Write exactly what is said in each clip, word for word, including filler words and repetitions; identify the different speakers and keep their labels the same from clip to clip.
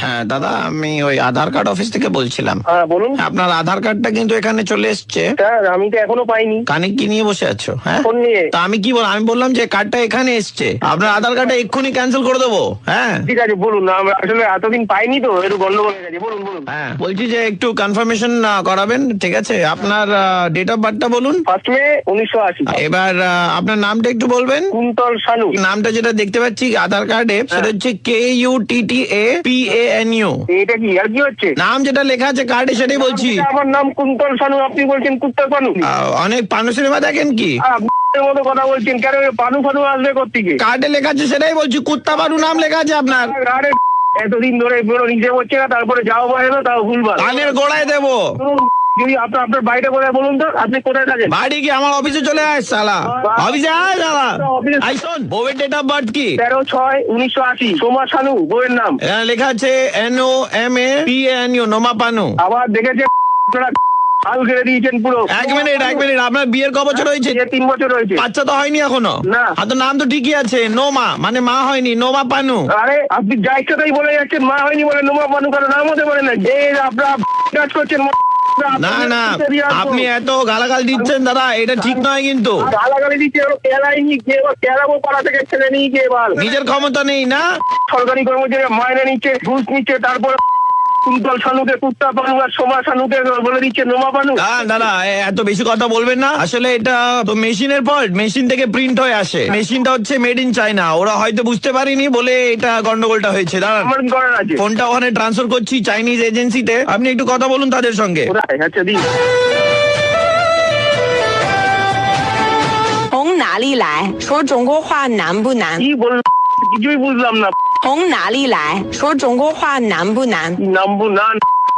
Speaker 1: হ্যাঁ দাদা, আমি ওই আধার কার্ড অফিস থেকে বলছিলাম।
Speaker 2: হ্যাঁ বলুন।
Speaker 1: আপনার আধার কার্ডটা কিন্তু এখানে চলে এসছে।
Speaker 2: স্যার আমি তো এখনো পাইনি।
Speaker 1: কানে কি নিয়ে বসে আছো? হ্যাঁ
Speaker 2: ফোন নিয়ে।
Speaker 1: তা আমি কি বল আমি বললাম যে কার্ডটা এখানে এসছে, আপনার আধার কার্ডটা এক্ষুনি ক্যান্সেল করে দেবো। হ্যাঁ
Speaker 2: ঠিক আছে বলুন। আমরা আসলে এতদিন পাইনি তো, একটু গন্ডগোল হয়ে গেছে। বলুন বলুন।
Speaker 1: হ্যাঁ বলছি যে একটু কনফার্মেশন করাবেন, ঠিক আছে? আপনার ডেট অফ বার্থটা বলুন।
Speaker 2: ফার্স্ট মে উনিশশো আশি।
Speaker 1: এবার আহ, আপনার নামটা একটু বলবেন।
Speaker 2: কুন্তল শানু।
Speaker 1: নামটা যেটা দেখতে পাচ্ছি আধার কার্ডে সেটা হচ্ছে K U T T A P A N U.
Speaker 2: এটা কি আর কি হচ্ছে?
Speaker 1: নাম যেটা লেখা আছে কার্ডে সেটাই বলছি।
Speaker 2: আমার নাম কুন্তল শানু, আপনি বলছেন কুত্তল পানু।
Speaker 1: আহ, অনেক পানু সিনেমা দেখেন কি?
Speaker 2: আপনার মতো কথা বলছেন কেন? পানু ফানু আসবে কোত্থেকে?
Speaker 1: কার্ডে লেখা আছে সেটাই বলছি, কুত্তা পানু নাম লেখা আছে আপনার।
Speaker 2: আরে এতদিন ধরে পুরো নিজে হচ্ছে না, তারপরে যাও বাইরে না, তাও ভুলবার।
Speaker 1: কানের গোড়ায় দেবো।
Speaker 2: যদি আপনার আপনার বাড়িটা কোথায় বলুন তো? আপনি কোথায় থাকেন?
Speaker 1: বাড়ি কি আমার অফিসে চলে আয় শালা, অফিসে আয় শালা। আই শোন, বউয়ের ডেট অফ বার্থ কি?
Speaker 2: তেরো ছয় উনিশশো আশি। সোমা শানু বইয়ের নাম।
Speaker 1: এখানে লেখা আছে N O M A P N U, Noma Panu.
Speaker 2: আবার দেখেছে আপনারা হাল ঘিরে দিয়েছেন পুরো।
Speaker 1: এক মিনিট এক মিনিট আপনার বিয়ের ক বছর হয়েছে?
Speaker 2: যে তিন বছর হয়েছে।
Speaker 1: বাচ্চা তো হয়নি এখনো?
Speaker 2: না।
Speaker 1: আর তো নাম তো ঠিকই আছে, নোমা, মানে মা হয়নি, নোমা পানু।
Speaker 2: আরে আপনি যা ইচ্ছা তাই বলে যাচ্ছেন। মা হয়নি বলে নোমা পানু কারো নাম হতে পারে না। যে আপনারা কাজ করছেন।
Speaker 1: না না আপনি এত গালাগাল দিচ্ছেন দাদা, এটা ঠিক নয় কিন্তু।
Speaker 2: গালাগালি দিচ্ছে, কেলাইনি গিয়ে কেলাবো পাড়া থেকে ছেলে নিয়ে গিয়ে এবার।
Speaker 1: নিজের ক্ষমতা নেই না?
Speaker 2: সরকারি কর্মচারী মাইনে নিচ্ছে, ঘুষ নিচ্ছে, তারপর কুন্তল শানুকে কুত্তা পানু আর সোমা শানুকে বলে দিচ্ছে নোমা পানু।
Speaker 1: না দাদা এত বেশি কথা বলবেন না। আসলে এটা তো মেশিনের ফল্ট, মেশিন থেকে প্রিন্ট হয়ে আসে। মেশিনটা হচ্ছে মেড ইন চায়না, ওরা হয়তো বুঝতে পারেনি বলে এটা গন্ডগোলটা হয়েছে। দাঁড়ান
Speaker 2: আমার কি করার আছে?
Speaker 1: ফোনটা ওখানে ট্রান্সফার করছি চাইনিজ এজেন্সিতে, আপনি একটু কথা বলুন তাদের সঙ্গে।
Speaker 2: কোথায়? আচ্ছা দিন।
Speaker 3: 从哪里来？说中国话难不难？
Speaker 2: কি বললাম কিছুই বুঝলাম না।
Speaker 3: 从哪里来？说中国话难不难？
Speaker 2: নামবো না।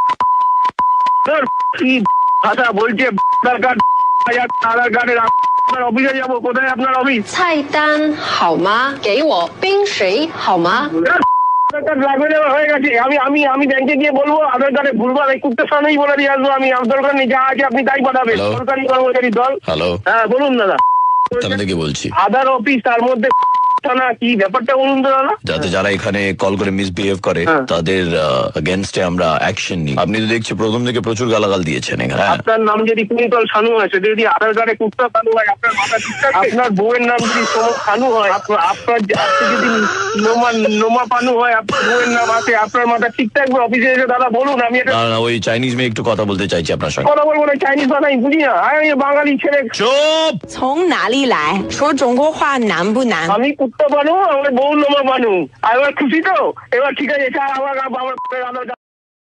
Speaker 2: কি ভাষা বলছে? আধার কার্ড আধার কার্ডের আপনার অফিসে যাবো। কোথায় আপনার অফিস?
Speaker 4: 菜单好吗？给我冰水好吗？
Speaker 2: আধার কার্ড লাগবে না, হয়ে গেছে। আমি আমি আমি ব্যাংকে গিয়ে বলবো আধার কার্ডে ভুলবার। এই কুত্তের সামনেই বলে দিয়ে আসবো আমি। আমার দরকার নেই, যা আছে আপনি তাই পাঠাবেন।
Speaker 5: Hello?
Speaker 2: সরকারি কর্মচারী দল।
Speaker 5: হ্যালো,
Speaker 2: হ্যাঁ বলুন দাদা।
Speaker 5: আমি থেকে বলছি।
Speaker 2: আধার অফিস, তার মধ্যে না কি ব্যাপারটা বলুন তো দাদা।
Speaker 5: যাতে যারা এখানে কল করে মিসবিহেভ করে
Speaker 2: হ্যাঁ।
Speaker 5: তাদের এগেনস্টে আমরা অ্যাকশন নিই। আপনি তো দেখছি প্রথম থেকে প্রচুর গালাগাল দিয়েছেন এখানে। হ্যাঁ।
Speaker 2: আপনার নাম যদি কুন্তল শানু হয়, সেটা যদি আধার কার্ডে কুত্তা শানু হয়, আপনার মাথা ঠিক থাকবে? আপনার বউয়ের নাম যদি সোমা শানু হয়, আপনার আপনার আপনি যদি নোমা নোমা পানু হয়, আপনার বউয়ের নাম আছে, আপনার মাথা ঠিক থাকবে? অফিসে এসে দাদা বলুন। আমি এটা
Speaker 5: না না ওই চাইনিজ মেয়ে একটু কথা বলতে চাইছি আপনার সঙ্গে।
Speaker 2: কথা বলবো না, চাইনিজ ভাষা আমি বুঝি না। আমি বাঙালি ছেলে।
Speaker 5: চুপ।
Speaker 3: 从哪里来？说中国话难不难？
Speaker 2: আমি কুত্তা পানু, আমার বউ নোমা পানু। আর এবার খুশি তো? এবার ঠিক আছে স্যার, আমার আমার